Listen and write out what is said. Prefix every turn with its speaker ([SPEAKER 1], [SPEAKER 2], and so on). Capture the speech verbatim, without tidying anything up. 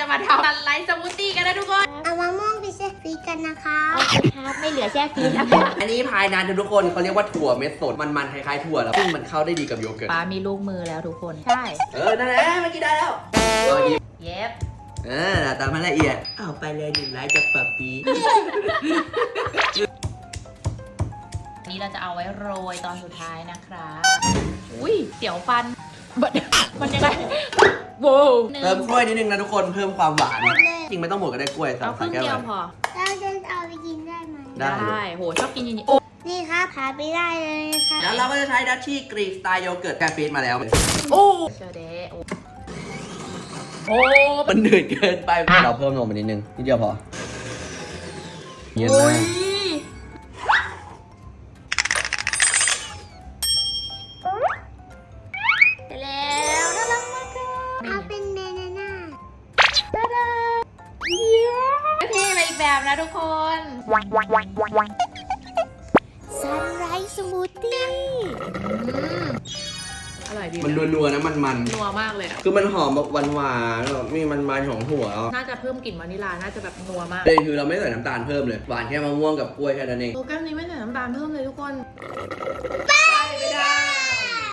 [SPEAKER 1] มาทำซันไลท์สมูทตี้กันนะทุกคน
[SPEAKER 2] เอามะม่วงไปแช่ฟรีซกันนะคะ
[SPEAKER 1] โอเคครับไม่เหลือแช่ฟรีซแล้ว
[SPEAKER 3] อันนี้พายนานทุกคนเขาเรียกว่าถั่วเม็ดสดมันๆคล้ายๆถั่วแล้วซึ่งมันเข้าได้ดีกับโยเกิร์ต
[SPEAKER 1] ป้ามีลูกมือแล้วทุกคนใช่
[SPEAKER 3] เออนั่นแหละเมื่อกี้ได้แล้วเมื่อกี้
[SPEAKER 1] เย็บ
[SPEAKER 3] เออตามมาละเอียดเอาไปเลยหนึ่งไลค์จากปับปี
[SPEAKER 1] อันนี้เราจะเอาไว้โรยตอนสุดท้ายนะครับอุ้ยเสียวฟันบัดมันยังไงโว้ว
[SPEAKER 3] เพิ่มกล้วยนิดนึงนะทุกคนเพิ่มความหวานจริงไม่ต้องหมดก็ได้กล้วย
[SPEAKER 1] เอาครึ่ง
[SPEAKER 3] แก้
[SPEAKER 1] เดียว
[SPEAKER 3] ว
[SPEAKER 1] พอ
[SPEAKER 2] เราจะเอาไปกินได้ไหม
[SPEAKER 3] ได้
[SPEAKER 1] โหชอบกินอย่างนี้โอ้
[SPEAKER 2] นี่ครับพาไปได้เลยค่ะ
[SPEAKER 3] แล้วเราก็จะใช้ดัชชี่กรีกสไตล์โยเกิร์ตกาแฟมาแล้ว
[SPEAKER 1] โอ้เชอเดโอ้โอ้
[SPEAKER 3] มันหนืดเกินไปเราเพิ่มนมไปนิดนึงนิดเดียวพอเย็น
[SPEAKER 1] โอ้
[SPEAKER 3] มาย
[SPEAKER 1] ไปแล้วน่ารักมากเลย
[SPEAKER 2] เอาเป็นเบนาน่า
[SPEAKER 1] ตาดาเยี่ยมเท่ไปอีกแบบนะทุกคน
[SPEAKER 2] ซันไรส์สมูทตี้
[SPEAKER 1] อร่อยดี
[SPEAKER 3] มันนัวๆนะมันมัน
[SPEAKER 1] นัวมากเลยอ่ะ
[SPEAKER 3] คือมันหอมแบบหวานๆแบบมีมันๆของถั่ว
[SPEAKER 1] น่าจะเพิ่มกลิ่นวานิลลาน่าจะแบบนัวมาก
[SPEAKER 3] เลยคือเราไม่ใส่น้ำตาลเพิ่มเลยหวานแค่มะม่วงกับกล้วยแค่นั้นเอง
[SPEAKER 1] โปรแกรมนี้ไม่ใส่น้ำตาลเพิ่มเลยทุกคน
[SPEAKER 3] ไปไม่ได้